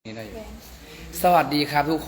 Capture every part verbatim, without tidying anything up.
นี่ได้สวัสดีครับทุกคน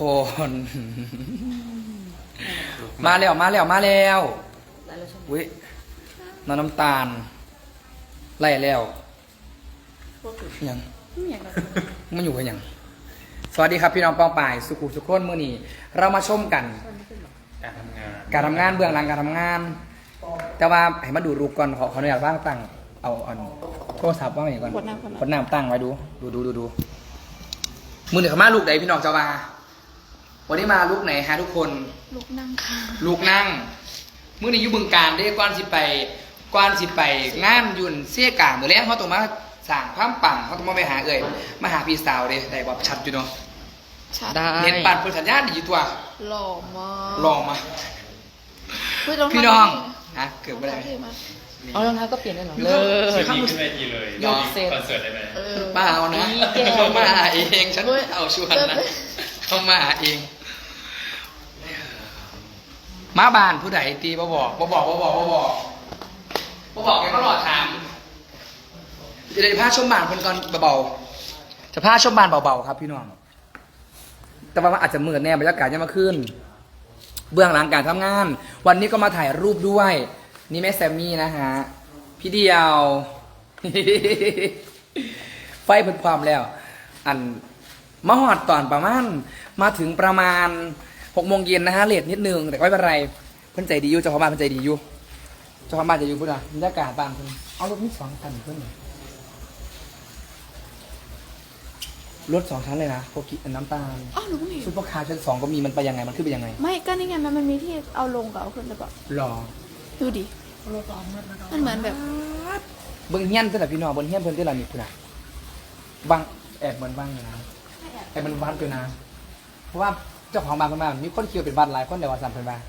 มาแล้วมาแล้วมาแล้ววิน้ำน้ำตาลไล่แล้วยังมันอยู่กันยังสวัสดีครับพี่น้องปองป่ายสุขุสุขคนเมื่อนี้เรามาชมกันการทำงานการทำงานเบื้องหลังการทำงาน แต่ว่าให้มาดูรูปก่อนขอขออนุญาตว่างตั้งเอาเอาโทรศัพท์ว่างอย่างก่อนกดน้ำตั้งไว้ดูดูดูดูดูมือหนึ่งมาลูกไหนพี่น้องเจ้ามาวันนี้มาลูกไหนฮะทุกคนลูกนั่งค่ะลูกนั่งมือนี้อยู่บึงการได้กวนสิไปกวนสิไปงานยุ่นเสี้ยกลางเมื่อแล้วเขาต้องมาสั่งพามปังเขาต้องมาไปหาเอ่ยมาหาพี่สาวเลยได้แบบชัดอยู่เนาะได้เห็นปันเปิดสัญญาณดีอยู่ตัวหล่อมากหล่อมาพี่น้องฮะเกือบไม่ได้เอารองเท้าก็เปลี่ยนได้หรอเลยชุดนี้ขึ้นเวทีเลยยกคอนเสิร์ตได้ไหมเปล่านะเขามาเองฉันเอาชวนนะเขามาเองมาบ้านผู้ใดตีบ่บอกบ่บอกบ่บอกบ่บอกบ่บอกแกก็รอถามจะได้พาชมบ้านคนก่อนเบาๆจะพาชมบ้านเบาๆครับพี่น้องแต่ว่าอาจจะมืดแน่บรรยากาศยังมาขึ้นเบื้องหลังการทำงาน วันนี้ก็มาถ่ายรูปด้วยนี่แม่แซมมี่นะฮะพี่เดียว ไฟเพิ่มความแล้วอันมาหอดตอนประมาณมาถึงประมาณหกโมงเย็นนะฮะเลทนิดนึงแต่ไม่เป็นไรเพิ่นใจดีอยู่เจ้าของบ้านเพิ่นใจดีอยู่เจ้าของบ้านใจอยู่เพื่อนอะบรรยากาศบ้านเพิ่นเอารถนี่สองคันเพื่อนรถสองชั้นเลยนะโปกิน้ำตาลอ๋อหนูก็มีซุปเปอร์คาร์ชั้นสองก็มีมันไปยังไงมันขึ้นไปยังไงไม่ก็นี่ไงมันมันมีที่เอาลงกับเอาขึ้นหรือเปล่าหรอดูดิมันเหมือนแบบเบิ้งเฮี้ยนเท่าไหร่พี่น้องบนเฮี้ยนเพิ่นเท่าไหร่นี่คุณอะบังแอบเหมือนบังอยู่นะแอบมันวัดอยู่นะเพราะว่าเจ้าของบ้านเพิ่นมามีคนคิวเป็นบ้านหลายคนแต่ว่าสั่นเพิ่นมา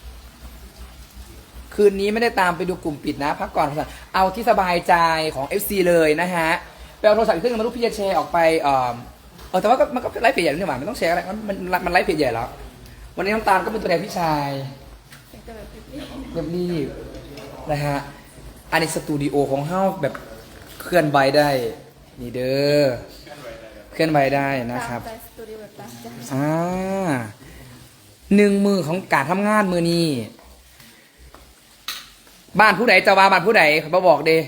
คืนนี้ไม่ได้ตามไปดูกลุ่มปิดนะพักก่อนเอาที่สบายใจของ เอฟ ซี เลยนะฮะไปเอาโทรศัพท์อีกเครื่องนึงมาลูกพี่จะแชร์ออกไปเออเออแต่ว่าก็มันก็ไลฟ์เพจใหญ่นี่หว่าไม่ต้องแชร์อะไรมันมันมันไลฟ์เพจใหญ่แล้ววันนี้น้ำตาลก็เป็นตัวแทนพี่ชายเรียบรีบนะฮะอันนี้สตูดิโอของเฮาแบบเคลื่อนไหวได้นี่เด้อเคลื่อนไหวได้นะครับอ่าหนึ่งมือของการทำงานมือนี้บ้านผู้ใดจะว่าบ้านผู้ใดเขาบอกเด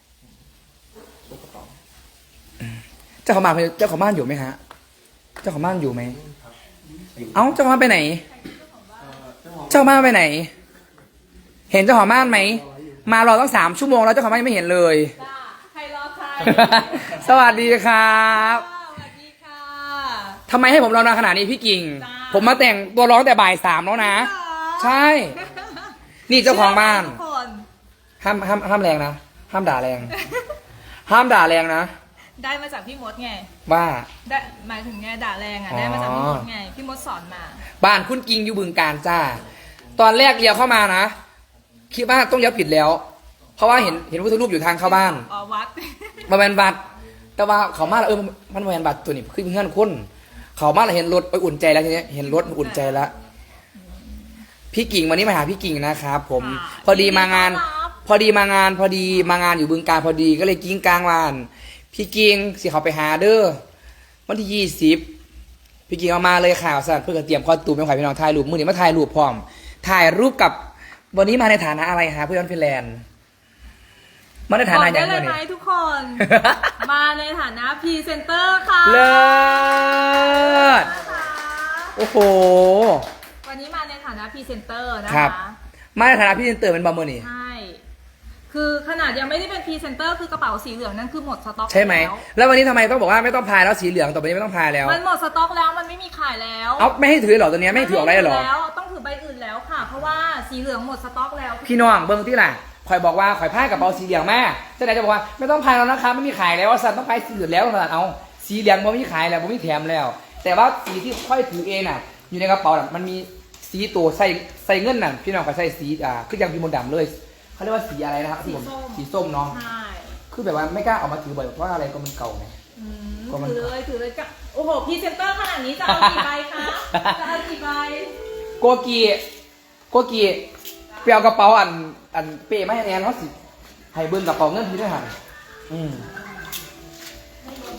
เจ้าของบ้านเจ้าของบ้านอยู่ไหมฮะเจ้าของบ้านอยู่ไหมเอ้าเจ้าของบ้านไปไหนเจ้าของบ้านไปไหนเห็นเจ้าของบ้านไหมมารอตั้งสามชั่วโมงแล้วเจ้าของบ้านยังไม่เห็นเลยใครรอใครสวัสดีครับสวัสดีค่ะทำไมให้ผมรอนานขนาดนี้พี่กิ่งผมมาแต่งตัวร้องแต่บ่ายสามแล้วนะใช่นี่เจ้าของบ้านห้ามห้ามห้ามแรงนะห้ามด่าแรงห้ามด่าแรงนะได้มาจากพี่มดไงว่าได้หมายถึงไงด่าแรงอ่ะได้มาจากพี่มดไงพี่มดสอนมาบ้านคุณกิ่งอยู่บึงการจ้าตอนแรกเลี้ยวเข้ามานะคิดว่าต้องเลี้ยวผิดแล้วเพราะว่าเห็นเห็นวัตถุรูปอยู่ทางเข้าบ้านอ๋อวัดมาเป็นบัตรแต่ว่าเขามาแล้วเออมันมาเป็นบัตรตัวนี้ขึ้นเพื่อนคุณเขามาแล้วเห็นรถไปอุ่นใจแล้วทีนี้เห็นรถอุ่นใจแล้วพี่กิ่งวันนี้มาหาพี่กิ่งนะครับผมพอดีมางานพอดีมางานพอดีมางานอยู่บึงการพอดีก็เลยกิ้งกลางวานพี่กิ่งสิเขาไปหาเด้อวันที่ยี่สิบพี่กิ่งเอามาเลยข่าวสั่นเพื่อเตรียมคอตูมเป็นข่าวพี่น้องถ่ายรูปมือนี้มาถ่ายรูปพร้อมถ่ายรูปกับวันนี้มาในฐานะอะไรฮะเพื่อนฟินแลนด์มาในฐานะยังไงได้เลยไหมทุกคน มาในฐานะพรีเซนเตอร์ค่ะเลิศโอ้โหวันนี้มาในฐานะพรีเซนเตอร์นะคะมาในฐานะพรีเซนเตอร์เป็นบอมเมอร์นี่ใช่คือขนาดยังไม่ได้เป็นพรีเซนเตอร์คือกระเป๋าสีเหลืองนั่นคือหมดสต็อกใช่ไหมแล้ววันนี้ทำไมต้องบอกว่าไม่ต้องพายแล้วสีเหลืองต่อไปนี้ไม่ต้องพายแล้วมันหมดสต็อกแล้วมันไม่มีขายแล้วเอาไม่ให้ถือหรอตัวนี้ไม่ให้ถือออกได้หรอแล้วต้องถือใบอื่นแล้วค่ะเพราะว่าสีเหลืองหมดสต็อกแล้วพี่น้องเบิ้งที่ล่ะคอยบอกว่าคอยพายกระเป๋าสีเหลืองแม่เจ้าไหนจะบอกว่าไม่ต้องพายแล้วนะคะไม่มีขายแล้วสันต้องพายสีเหลืองแล้วสันเอาสีเหลืองมันไม่มีขายแล้วมันไม่แถมแล้วแต่ว่าสีที่ค่อยถือเองน่ะอยู่ในกระเป๋ามันมีสีตัวใส่ใส่เงินน่ะพี่น้องก็ใส่สีอ่าคือยังพี่มดดำเลยเขาเรียกว่าสีอะไรนะครับสีสีส้มเนาะคือแบบว่าไม่กล้าออกมาถือบ่อยเพราะอะไรก็มันเก่าไงถือเลยถือเลยก็โอ้โหพรีเซนเตอร์ขนาดนี้จะเอากี่ใบคะจะเอากี่ใบโกกีโกกีเปียวกระเป๋าอันอันเป้ไม่ให้แอนเขาสิให้เบิ้งกระเป๋าเงินพี่ด้วยหันอืม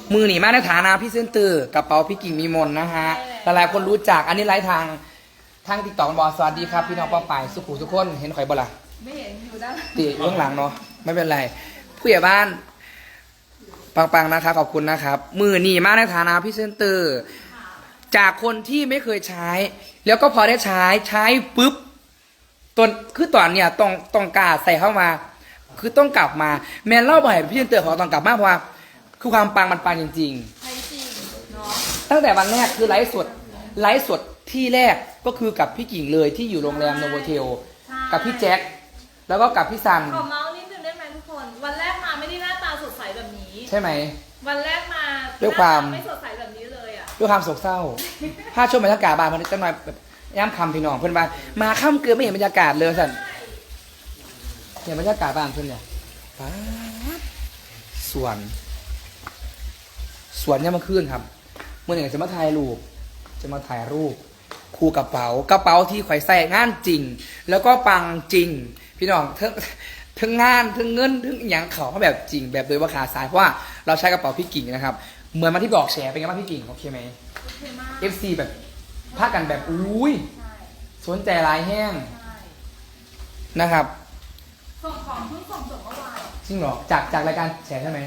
มือหนีมาในฐานะพี่เซนเตอร์กระเป๋าพี่กิ่งมีมนนะฮะหลายๆคนรู้จักอันนี้ไลฟ์ทางทางติ๊กต็อกบอสวัสดีครับพี่น้องป้าป่ายสุขุมทุกคนเห็นข่อยบ่ล่ะไม่เห็นอยู่ด้านตีเบื้องหลังเนาะไม่เป็นไรผู้ใหญ่บ้านปังๆนะครับขอบคุณนะครับมือหนีมาในฐานะพี่เซนเตอร์จากคนที่ไม่เคยใช้ แล้วก็พอได้ใช้ใช้ปุ๊บตนคือตอนเนี่ยต้องต้องกล้าใส่เข้ามา คือต้องกลับมาแมนเล่าบ่อยพี่เซนเตอร์ของต้องกลับมาเพราะว่าคือความปังมันปังจริงใช้จริงเนาะๆ ตั้งแต่วันแรกคือไลฟ์สดไลฟ์สดที่แรกก็คือกับพี่กิ่งเลยที่อยู่โรงแรมโนโวเทลกับพี่แจ็คแล้วก็กับพี่ซันขอเมาส์นิดนึงได้ไหมทุกคน วันแรกมาไม่ได้หน้าตาสดใสแบบนี้ใช่ไหมวันแรกมาด้วยความหน้ตไม่สดใสแบบนี้เลยอ่ะด้วยความโศกเศร้า ถ้าช่วงบรรยากาศบานมันจะหน่อยแบบย่ำคำพี่น้องเพื่อนบ้านมาค่ำเกลือไม่เห็นบรรยากาศเลยสันเห็นบรรยากาศบ้านเพื่อนเนี่ยป๊าดสวน สวนเนี่ยมาขึ้นครับ เมื่อไหร่จะมาถ่ายรูป จะมาถ่ายรูป คู่กระเป๋ากระเป๋าที่ข่อยใส่งานจริง แล้วก็ปังจริง พี่น้องทั้งทั้งงานทั้งเงินทั้งอย่างเขาเขาแบบจริง แบบโดยว่าขาซ้ายเพราะว่าเราใช้กระเป๋าพี่กิ่งนะครับ เหมือนมาที่บอกแชร์เป็นไงบ้างพี่กิ่งโอเคไหมโอเคมากเอฟ ซี แบบพากันแบบอุ้ยใช่สนใจหลายแห้งใช่นะครับส่งของเพิ่งส่งจบเมื่อวานจริงเหรอจากจากรายการแชร์ใช่ไหม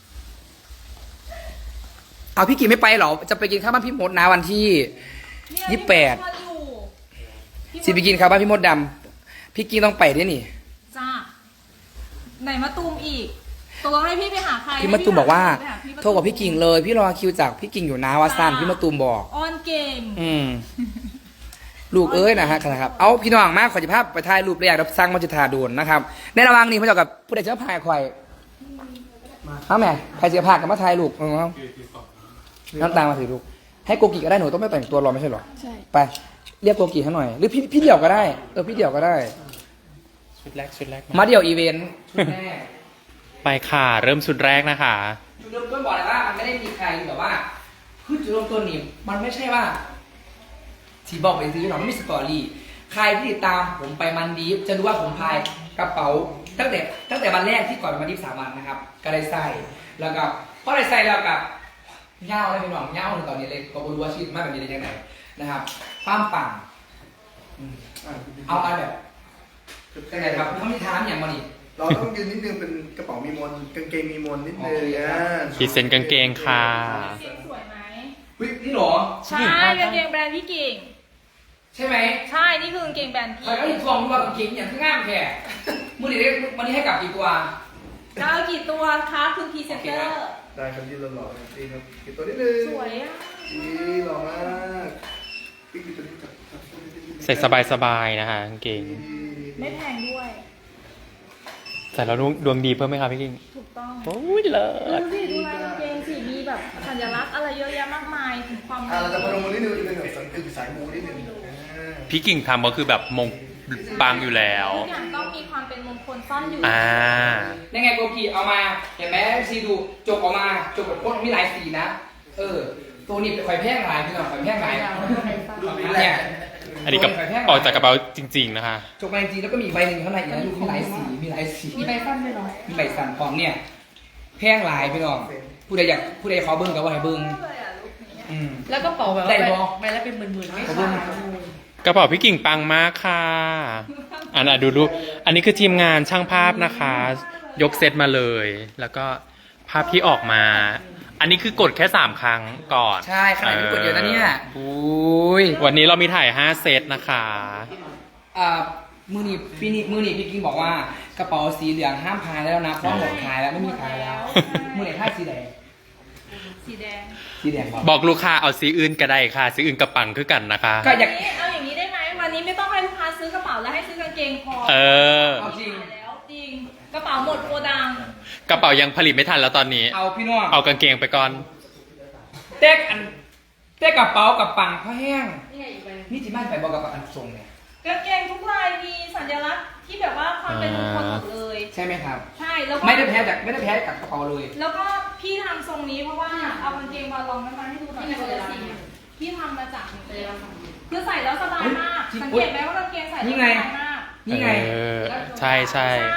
เอาพี่กิ่งไม่ไปเหรอจะไปกินข้าวบ้านพี่มดนะวันที่เนี่ยยี่สิบแปดพี่มชวนอยู่พี่สิไปกินข้าวบ้านพี่มดดำพี่กิ่งต้องไปด้วยนี่จ้าไหนมาตูมอีกตัวให้พี่ไปหาใครพี่มะตูมบอกว่าให้พี่หโทรบอกพี่กิ่งเลย พี่รอคิวจากพี่กิ่งอยู่นะวาซันพี่มะตูมบอกออนเก่งอืมลูกเอ้ยนะฮะครับ เอาพี่น้องมากขอจะภาพไปถ่ายรูปเรียกรับสร้างมัจจุธาโดนนะครับ ในระหว่างนี้พ่อเจ้ากับผู้ใดเจ้าพายควายมาแม่ใครจะพากันมาถ่ายรูปเอาเอาน้ำตาลมาถือลูกให้โกกิก็ได้หนูต้องไม่แต่งตัวรอไม่ใช่เหรอใช่ไปเรียกโกกิให้หน่อย หรือพี่พี่เดี่ยวก็ได้เออพี่เดี่ยวก็ได้ชุดแรกชุดแรกมาเดี่ยวอีเวนต์ชุดแรกไปค่ะ เริ่มชุดแรกนะคะจุดเริ่มต้นบอกเลยว่ามันไม่ได้มีใครแบบว่าคือจุดเริ่มต้นนี่มันไม่ใช่ว่าที่บอกไปซื้อหรอกไม่มีสตอรี่ใครที่ติดตามผมไปมันดีฟจะรู้ว่าผมพายกระเป๋า ตั้งแต่ตั้งแต่วันแรกที่ก่อนไปมันดีฟสามวันนะครับ ก็ได้ใส่แล้วก็พอได้ใส่แล้วกับเง่าเลยพี่น้องเง่าถึงตอนนี้เลยก็ไม่รู้ว่าชีวิตมากแบบนี้ได้ยังไงนะครับปั้มปั่งอืมเอามาแบบยังไงครับเขาไม่ท้ามอย่างมาดิเราต้องยืนนิดนึงเป็นกระเป๋ามีมนกางเกงมีมนนิดนึงโอเคอ่าขีดเส้นกางเกงค่ะเก่งสวยไหมเฮ้ยนี่เหรอใช่กางเกงแบรนด์พี่เก่งใช่ไหมใช่ นี่คือกางเกงแบรนด์พี่ใครก็ถึงทวงว่ากางเกงอย่างที่ง่ามแค่มือนี้ได้วันนี้ให้กลับกี่ตัวจะเอากี่ตัวคะคุณพรีเซนเตอร์ได้ครับยืนหล่อๆครับดีครับปิดตัวนิดนึงสวยอ่ะดีหล่อมากปิดตัวนี้จับจับตัวนี้ใส่สบายๆนะคะกางเกงไม่แพงด้วยใส่แล้วดวงดีเพิ่มไหมคะพี่กิ้งถูกต้องโอ้ยเลิดูศสิดูลายกางเกงสิมีแบบสัญลักษณ์อะไรเยอะแยะมากมายถึงความอ่าเราจะพนมมือนิดนึงเป็นแบบสังเกตสายมูนิดนึงอ่าพี่กิ่งทำก็คือแบบมงปังอยู่แล้วทุกอย่างต้องมีความเป็นมงคลซ่อนอยู่อ่ายังไงโกกีเอามา เห็นไหมซีดูจกออกมาจกแบบพ่นมีหลายสีนะ เออ ตัวนี้เป็นข่อยแพงหลายพี่น้องข่อยแพงหลายเนี่ยอันนี้ก็ออกจากกระเป๋าจริง ๆ นะคะจกมาจริงๆแล้วก็มีใบหนึ่งข้างในอีกนะดูมีหลายสีมีหลายสีมีใบสั้นด้วยเหรอมีใบสันพร้อมเนี่ยแพงหลายพี่น้องผู้ใดอยากผู้ใดขอเบิ้งก็ว่าให้เบิ้งเลยอ่ะลุคนี้อืมแล้วก็เป๋าแบบได้ว่าบ่ใบละเป็นหมื่นๆไม่ขอบคุณขาดกระเป๋าพี่กิ่งปังมากค่ะ อันน่ะดูรูปอันนี้คือทีมงานช่างภาพนะคะ ยกเซตมาเลย แล้วก็ภาพที่ออกมา อันนี้คือกดแค่สามครั้งก่อนใช่ขนาดนี้กดเยอะนะเนี่ยอุ้ยวันนี้เรามีถ่ายห้าเซตนะคะอ่ามือหนีพี่นี่มือหนีพี่กิ้งบอกว่ากระเป๋าสีเหลืองห้ามพายแล้วนะเพราะหมดขายแล้วไม่มีขายแล้วมือไหนท่าสีแดงสีแดงสีแดงบอกบอกลูกค้าเอาสีอื่นก็ได้ค่ะ สีอื่นกระปังคือกันนะคะก็อยากวันนี้เอาอย่างนี้ได้ไหมวันนี้ไม่ต้องให้ลูกค้าซื้อกระเป๋าแล้วให้ซื้อกางเกงพอเออเอาจริงแล้วจริงกระเป๋าหมดโกดังกระเป๋ายังผลิตไม่ทันแล้วตอนนี้เอาพี่น้องเอากางเกงไปก่อนเต๊กอันเต๊กกระเป๋ากับปังผ้าแห้งนี่ไงอีกใบนี่จีบ้านไปบอกกับอันทรงเนี่ยกางเกงทุกลายมีสัญลักษณ์ที่แบบว่าความเป็นมงคลหมดเลยใช่ไหมครับใช่แล้วก็ไม่ได้แพ้จากไม่ได้แพ้กับกระเป๋าเลยแล้วก็พี่ทำทรงนี้เพราะว่าเอากางเกงบอลลองมาให้ดูหน่อยคนละสีพี่ทำมาจากคือใส่แล้วสบายมากจริงสังเกตไหมว่ากางเกงใส่แล้วนี่สไงบายมากนี่ไงเออ ใช่ใช่ใช่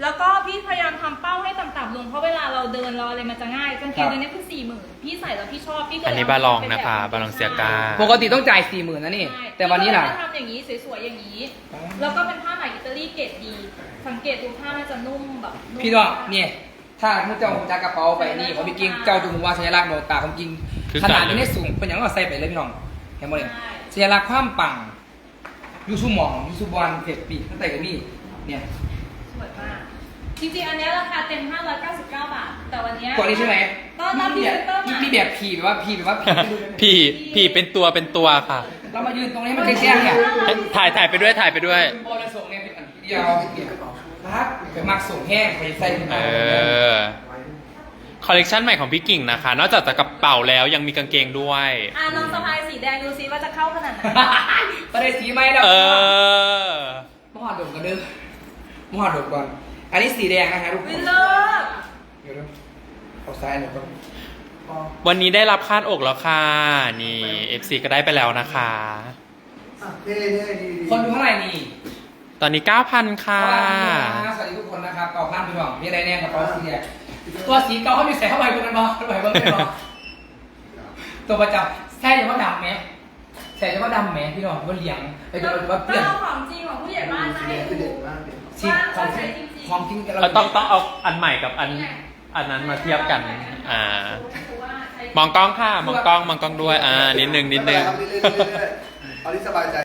แล้วก็พี่พยายามทำเป้าให้ต่ำๆลงเพราะเวลาเราเดินเราอะไรมันจะง่ายกางเกงตัวนี้คือสี่หมื่นพี่ใส่แล้วพี่ชอบพี่ก็เลยอันนี้บาลองนะคะบาลองเซียกาปกติต้องจ่ายสี่หมื่นนะนี่ใช่แต่วันนี้ล่ะพี่ก็เลยมาทำอย่างนี้สวยๆอย่างนี้ แล้วก็เป็นผ้าไหมอิตาลีเกรดดี สังเกตดูผ้ามันจะนุ่มแบบนุ่มพี่น้องเนี่ยถ้าผู้เจ้าจักกระเป๋าไปนี่ของพี่กิ้งเจ้าจุงว่าสัญลักษณ์โนตาของจริงคือขนาดการนี้ได้สูงเป็นอย่างนั้นเราใส่ไปเลยพี่น้องเห็นไหมเลยใช่สัญลักษณ์ความปังยูซูหมองยูซูบอลเฟกปีตั้งแต่กับนี่เนี่ยสวยมาก จริงๆ อันเนี้ยราคาเต็ม ห้าร้อยเก้าสิบเก้า บาท แต่วันเนี้ยตัวนี้ใช่ไหมก็รับพรีเซนเตอร์มีมามีแบบผีแบบว่าผีแบบว่าผีพี่พี่เป็นตัวเป็นตัวค่ะเรามายืนตรงนี้มันแจ้งๆเนี่ยถ่ายถ่ายไปด้วยถ่ายไปด้วยบอลส่งเนี่ยเป็นอันเดียวเนี่ยพักไปมักส่งแห้งไปใส่ถุงเออ คอลเลกชันใหม่ของพี่กิ่งนะคะ นอกจากจะกระเป๋าแล้วยังมีกางเกงด้วยอ่ะน้องสะพายสีแดงดูซิว่าจะเข้าขนาดไหนก็ได้สีไหมเราเออมหาดกกันเด้อมหาดกก่อนอันนี้สีแดงนะคะทุกควินลเลิศเดี๋ยวนะเอาซ้ายหน่อยก่อนวันนี้ได้รับคาดอกแล้วค่ะ นี่ เอฟ ซี ก็ได้ไปแล้วนะคะอ่ะเท่เท่ดีดีคนดูเท่าไหร่นี่ตอนนี้ เก้าพัน ค่ะสวัสดีทุกคนนะครับเก่าพันพี่น้องมีอะไรแน่กับตัวสีแดงตัวสีเก่าเขามีใส่เข้าไปบนนั้นบ่เข้าไปบนนั้นบ่ตัวประจำใช่หรือว่าดำไหมใส่หรือว่าดำไหมพี่น้องว่าเหลียงไปดูว่าเปลี่ยนก็ของจริงของผู้ใหญ่บ้านสีนะแดให้งคือดูเด็ดมากเลยสีของจริงของจริงเราต้องต้องเอาอันใหม่กับอันอันนั้นมาเทียบกัน อ่า มองกล้องค่ะ มองกล้อง มองกล้องด้วย อ่า นิดนึงนิดนึงไม่เป็นไรครับเรื่อยๆเรื่อยๆเอาที่สบายใจ